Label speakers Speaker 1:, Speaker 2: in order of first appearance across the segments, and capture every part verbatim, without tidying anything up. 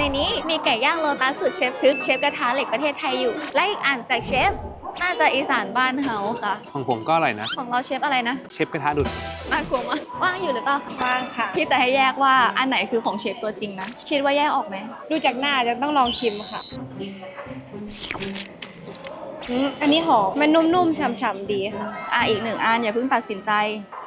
Speaker 1: นี้มีไก่ย่างโลตัสสูตรเชฟทึกเชฟกระทะเหล็กประเทศไทยอยู่และอีกอันจากเชฟน่าจะอีสานบ้านเฮาค่ะ
Speaker 2: ของผมก็อร่อยนะ
Speaker 1: ของเราเชฟอะไรนะ
Speaker 2: เชฟกระทะดุด
Speaker 1: น่ากลัวมากว่างอยู่หรือเปล่า
Speaker 3: ว่างค่ะ
Speaker 1: พี่จะให้แยกว่าอันไหนคือของเชฟตัวจริงนะคิดว่าแยกออกไหม
Speaker 3: ดูจากหน้าจะต้องลองชิมค่ะอืมอันนี้หอมมันนุ่มๆฉ่ำๆดีค่ะ
Speaker 1: อ่ะอีกหนึ่งอันอย่าเพิ่งตัดสินใจ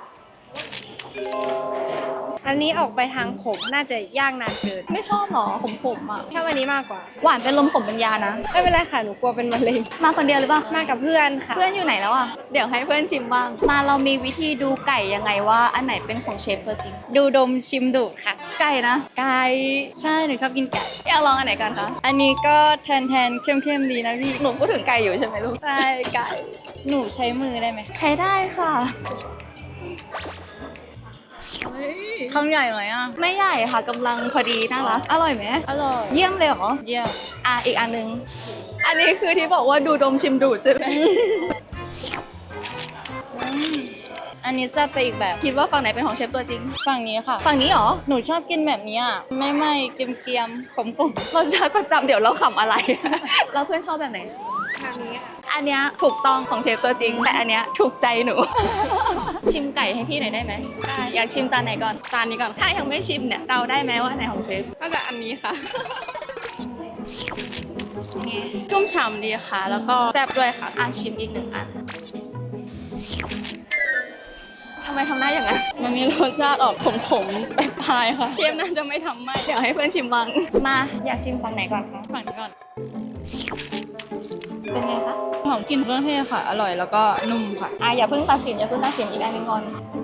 Speaker 3: อันนี้ออกไปทางขมน่าจะย่างนานเกิน
Speaker 1: ไม่ชอบหรอขมๆอ่ะ
Speaker 3: ชอบอันนี้มากกว่า
Speaker 1: หวานเป็นลมขมเป็นยานะ
Speaker 3: ไม่เป็นไรค่ะหนูกลัวเป็นมะเร็ง
Speaker 1: มาคนเดียวหรือเปล่า
Speaker 3: มากับเพื่อนค่ะ
Speaker 1: เพื่อนอยู่ไหนแล้วอ่ะ เดี๋ยวให้เพื่อนชิมบ้าง มาเรามีวิธีดูไก่ยังไงว่าอันไหนเป็นของเชฟตัวจริง
Speaker 3: ดูดมชิมดูดค่ะ
Speaker 1: ไก่นะ
Speaker 3: ไก่ใช่หนูชอบกินไก่
Speaker 1: อยากลองอันไหนกันคะ
Speaker 3: อันนี้ก็แทนแทนๆเข้มๆดีนะพี่
Speaker 1: หนูพูดถึงไก่อยู่ใช่ไหมลูก
Speaker 3: ใช่ไก่หนูใช้มือได้ไหม
Speaker 1: ใช้ได้ค่ะ
Speaker 3: คำใหญ่ไหมอ่ะ
Speaker 1: ไม่ใหญ่ค่ะกำลังพอดีน่ารักอร่อยไหม
Speaker 3: อร่อย
Speaker 1: เยี่ยมเลยเหรอ
Speaker 3: เยี่ยม
Speaker 1: อ่ะอีกอันนึง อันนี้คือที่บอกว่าดูดมชิมดูดใช่ไหม
Speaker 3: อันนี้จะไปอีกแบบ
Speaker 1: คิดว่าฝั่งไหนเป็นของเชฟตัวจริง
Speaker 3: ฝั่งนี้ค่ะ
Speaker 1: ฝั่งนี้เหรอ
Speaker 3: หนูชอบกินแบบนี้อ่ะไม่ไม่เกรียมๆขมๆ
Speaker 1: รสชาติประจำเดี๋ยวเราขำอะไร เราเพื่อนชอบแบบไหน
Speaker 3: แบบนี้ค่ะ
Speaker 1: อันเนี้ยถูกต้องของเชฟตัวจริง แต่อันเนี้ยถูกใจหนู ชิมไก่ให้พี่หน่อยได้ไหมได้อยากชิมจานไหนก่อน
Speaker 3: จานนี้ก่อน
Speaker 1: ถ้ายังไม่ชิมเนี่ยเดาได้ไหมว่าอันไหนของเชฟ
Speaker 3: น่าจะอันนี้ค่ะ
Speaker 1: ไง
Speaker 3: ชุ่มฉ่ำดีค่ะ แล้วก็แซ่บด้วยค่ะ
Speaker 1: อ่ะชิมอีกหนึ่งอันทำไมทำหน้าอย่างนั้น
Speaker 3: มันมีรสชาติออกขมๆปลายๆค่ะเชฟน่าจะไม่ทำไม่
Speaker 1: เดี๋ยวให้เพื่อนชิมบ้างมาอยากชิมฝั่งไหนก่อนคะ
Speaker 3: ฝั่งนี้ก่อน
Speaker 1: เป็นไงคะ
Speaker 3: หอมกลิ่นเครื่องเทศค่ะ อร่อยแล้วก็นุ่มค่ะ
Speaker 1: อ่ะอย่าเพิ่งตัดสินอย่าเพิ่งตัดสินอีกอันหนึงก่อน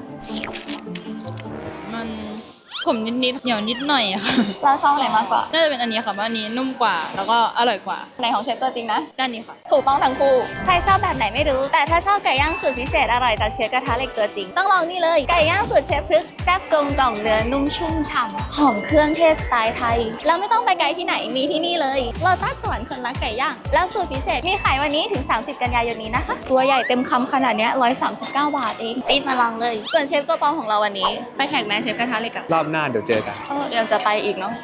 Speaker 3: มันขมนิดๆเหนียวนิดหน่อยอะค่ะ
Speaker 1: เราชอบไหนมากกว่า
Speaker 3: น่าจะเป็นอันนี้ค่ะเพราะอันนี้นุ่มกว่า แล้วก็อร่อยกว่า
Speaker 1: ไหนของเชฟตัวจริงนะ
Speaker 3: ด้านนี้ค่ะ
Speaker 1: ถูกต้องทั้งคู่ ใครชอบแบบไหนไม่รู้ แต่ถ้าชอบไก่ย่างสูตรพิเศษอร่อยจากเชฟกระทะเหล็กตัวจริง ต้องลองนี่เลย ไก่ย่างสูตรเชฟพึกแซ่บกลมกล่อมเนื้อนุ่มชุ่มฉ่ำหอมเครื่องเทศสไตล์ไทย แล้วไม่ต้องไปไกลที่ไหน มีที่นี่เลยโลตัสสวรรค์คนรักไก่ย่าง แล้วสูตรพิเศษมีขายวันนี้ถึง สามสิบ กันยายนนี้นะคะ ตัวใหญ่เต็มคำขนาดเนี้ยหนึ่งร้อยสามสิบเก้าบาทเองรีบมาลองเลย ส่วนเชฟตัวปลอมของเราวันนี้ ไปแข่งแมเชฟกระทะเหล็กอะ
Speaker 2: รอบหน้าเดี๋ยวเจอกัน
Speaker 1: เออยังจะไปอีกเนาะ